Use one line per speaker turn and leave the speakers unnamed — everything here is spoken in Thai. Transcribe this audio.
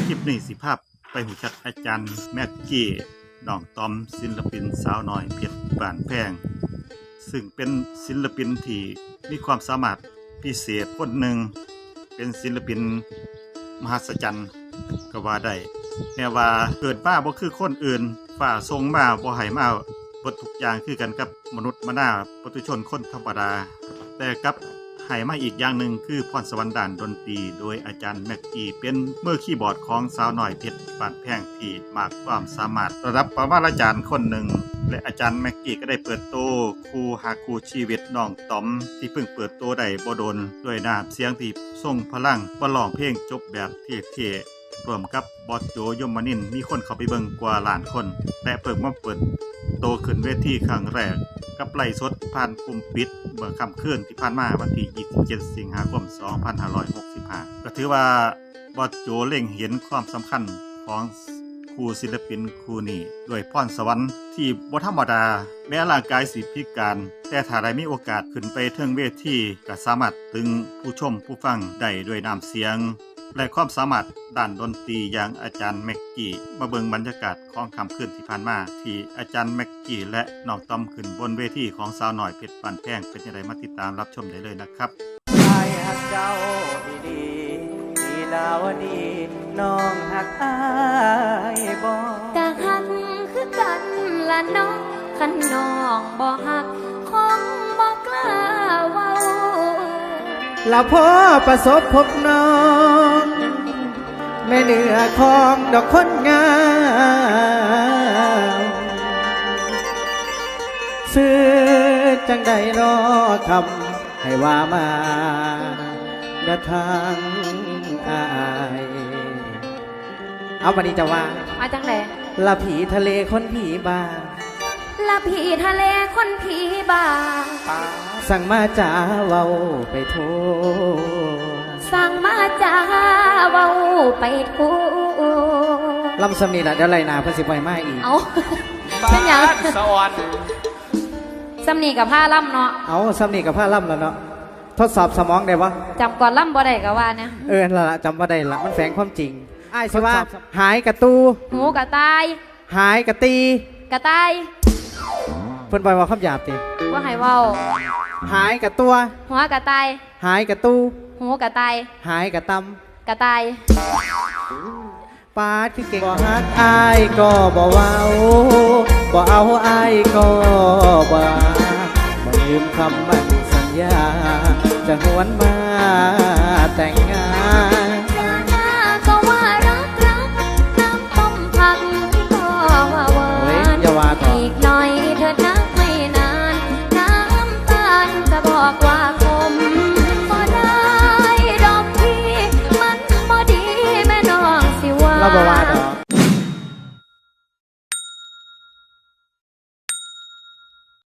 ลิปนี้สิภาพไปหูจักอาจารย์แม็กกี้น้องตอมศิลปินสาวน้อยเพชรบ้านแพงซึ่งเป็นศิลปินที่มีความสามารถพิเศษคนหนึ่งเป็นศิลปินมหัศจรรย์ก็ว่าได้แม้ว่าเกิดมาบ่คือคนอื่นฝ่าทรงมาบ่ให้มาบททุกอย่างคือกันกับมนุษย์มนาปุถุชนคนธรรมดาแต่กับให้มาอีกอย่างหนึ่งคือพรสวรรค์ด้านดนตรีโดยอาจารย์แม็กกี้เป็นมือคีย์บอร์ดของสาวน้อยเพชรบ้านแพงที่มากความสามารถระดับปรมาจารย์คนหนึ่งและอาจารย์แม็กกี้ก็ได้เปิดโตครูหาครูชีวิตน้องต๋อมที่เพิ่งเปิดโตได้บ่โดนด้วยน้ำเสียงที่ทรงพลังบ่ร้องเพลงจบแบบเท่ๆรวมกับบอสโจยมนินทร์มีคนเข้าไปเบิ่งกว่าล้านคนและเพิ่งมาเปิดโตขึ้นเวทีครั้งแรกกับไลฟ์สดผ่านกลุ่มปิดเมื่อค่ำคืนที่ผ่านมาวันที่ 27 สิงหาคม 2565 ก็ถือว่าบอสโจเล็งเห็นความสำคัญของครูศิลปินครูนี้ด้วยพรสวรรค์ที่บ่ธรรมดาแม้ร่างกายสิพิการแต่ถ้าได้มีโอกาสขึ้นไปเทิงเวทีก็สามารถตึงผู้ชมผู้ฟังได้ด้วยน้ำเสียงและความสามารถด้านดนตรีอย่างอาจารย์แม็กกี้มาเบิ่งบรรยากาศของค่ำคืนที่ผ่านมาที่อาจารย์แม็กกี้และน้องต้อมขึ้นบนเวทีของสาวน้อยเพชรบ้านแพงเป็นอย่างไรมาติดตามรับชมได้เลยนะครับ
ชายหักเจ้าดีๆลีลาวดีน้องหักอายบ่
กะหักคือกันละน้องคันน้องบ่หักคงบ่กล้าเว้า
ละพ่อประสบพบน้องแม่เหนือของดอกคนงามซื้อจังใดรอคำให้ว่ามาเดินทางอายเอาวันนี้จะว่า
มาจังได
ละผีทะเลคนผีบ้า
ละผีทะเลคนผีบ้า
สั่งมาจ่าเว้าไปโท
สั่งมาจ่าเว้าไปทั่ว
ลำสำนีละเดี๋ยวไรนาเพื่อสิบไว้มาอีก
เอาเป็นอย่างสวรรค์สำนีกับผ้าล่ำเนาะ
เอาสำนีกับผ้าล่ำแล้วเนาะทดสอบสมองได้ปะ
จำก่อนล่ำบ่ได้ก็ว่าเนี่ย
ละจำบ่ได้ละมันแฝงความจริงไอ้สิว่าหายกระตู
หูกระตาย
หายกระตี
กระตาย
เพิ่นบอกว่าคำหยาบติ
ว่าให้เว้า
หายกระตัว
หัวกระตาย
หายกระตู
หูกระตาย
หายกระต
ำกระตาย
ปาดคือเก่งบ่ฮักอายก็บ่เว้าบ่เอาอายก็บ่ลืมคำมั่นสัญญาจะหวนมาแต่งงาน
ก็ว่ารักน้ำต้มผักก็ว่าหวานอีกหน่อยเธอนักไม่นานน้ำตาลจะบอกว่าคมก็ได้ดอกที่มันบ่ดีแม่น้องสิว่า